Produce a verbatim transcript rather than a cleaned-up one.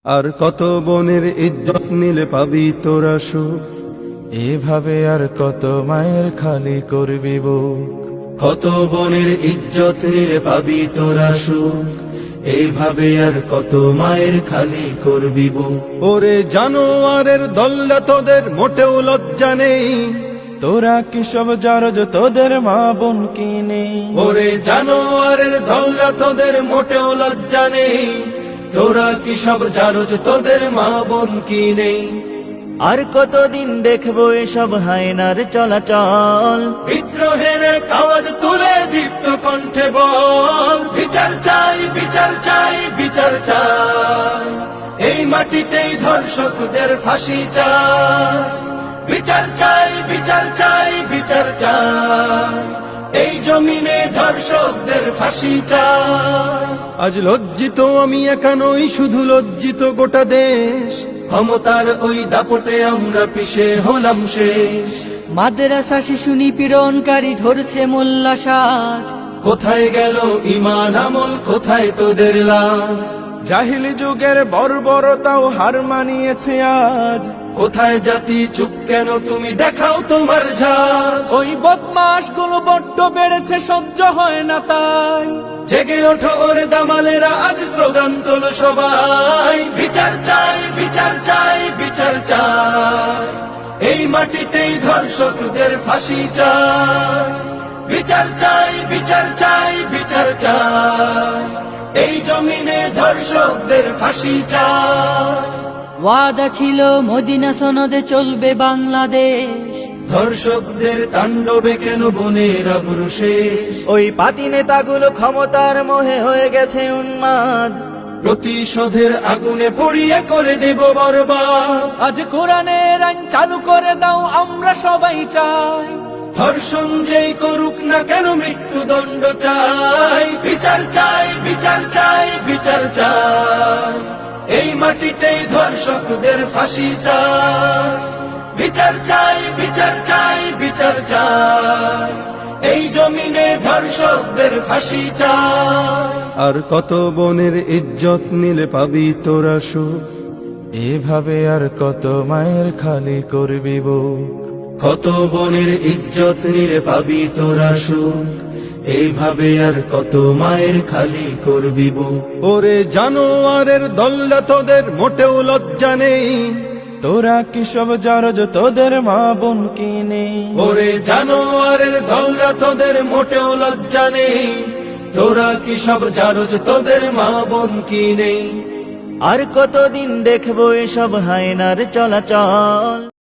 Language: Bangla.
আর কত বনের ইজ্জত নিলে পাবি তোরা সুখ, এভাবে আর কত মায়ের খালি করবি বুক। কত বনের ইজ্জত নিলে পাবি তোরা সুখ, এইভাবে আর কত মায়ের খালি করবি বুক। ওরে জানোয়ারের দল্লা তোদের মোটেও লজ্জা নেই, তোরা কি সব জারজ তোদের মা বোন কি নেই? ওরে জানোয়ারের দল্লা তোদের মোটেও লজ্জা নেই, তোরা কি সব জারজ তোদের মা বোন কি নেই? আর কতদিন দেখবো এসব হায়নার চলাচল, বিদ্রোহের আওয়াজ তুলে দীপ্ত কণ্ঠে বল, বিচার চাই বিচার চাই বিচার চাই, এই মাটিতেই ধর্ষকদের ফাঁসি চাই। বিচার চাই বিচার চাই বিচার চাই, এই জমিনে ধর্ষকদের ফাঁসি চাই। আজ লজ্জিত আমি একা নই, শুধু লজ্জিত গোটা দেশ, ক্ষমতার ওই দাপটে আমরা পিছে হলাম শেষ। মাদ্রাসা শিশু নিপীড়নকারী ধরছে মোল্লা সাজ, কোথায় গেল ঈমান আমল, কোথায় তোদের লাজ? জাহিলি যুগের বর্বরতাও হার মানিয়েছে আজ, কোথায় জাতি চুপ কেন, তুমি দেখাও তোমার ঝাঁজ। ওই বদমাস গুলো বড্ড বেড়েছে, সহ্য হয় না তাই। জেগে ওঠো ওরে দামালেরা, আজ স্লোগান তোলো সবাই, বিচার চাই বিচার চাই বিচার চাই, এই মাটিতেই ধর্ষকদের ফাঁসি চাই। বিচার চাই বিচার চাই বিচার চাই, এই জমিনে ধর্ষকদের ফাঁসি চাই। ওয়াদা ছিল মদিনা সনদে চলবে বাংলাদেশ, ধর্ষকদের তাণ্ডবে কেন বনের আবরু শেষ? ওই পাতি নেতাগুলো ক্ষমতার মোহে হয়ে গেছে উন্মাদ, প্রতিশোধের আগুনে পড়িয়ে করে দেব বরবাদ। আজ কোরআনের আইন চালু করে দাও, আমরা সবাই চাই। ধর্ষণ যেই করুক না কেন মৃত্যুদণ্ড চাই। বিচার চাই বিচার চাই বিচার চাই, এই মাটিতেই ধর্ষকদের ফাঁসি চাই। বিচার চাই বিচার চাই বিচার চাই, এই জমিনে ধর্ষকদের ফাঁসি চাই। আর কত বনের ইজ্জত নিলে পাবি তোরা সুখ, এভাবে আর কত মায়ের খালি করবি বুক। কত বনের ইজ্জত নিলে পাবি তোরা সুখ, এইভাবে আর কত মায়ের খালি করবি বুক। ওরে জানোয়ারের দল্লা তোদের মোটেও লজ্জা নেই, তোরা কি সব জারজ তোদের মা বোন কি নেই? ওরে জানোয়ারের দল্লা তোদের মোটেও লজ্জা নেই, তোরা কি সব জারজ তোদের মা বোন কি নেই? আর কতদিন দেখবো এসব হায়নার চলাচল।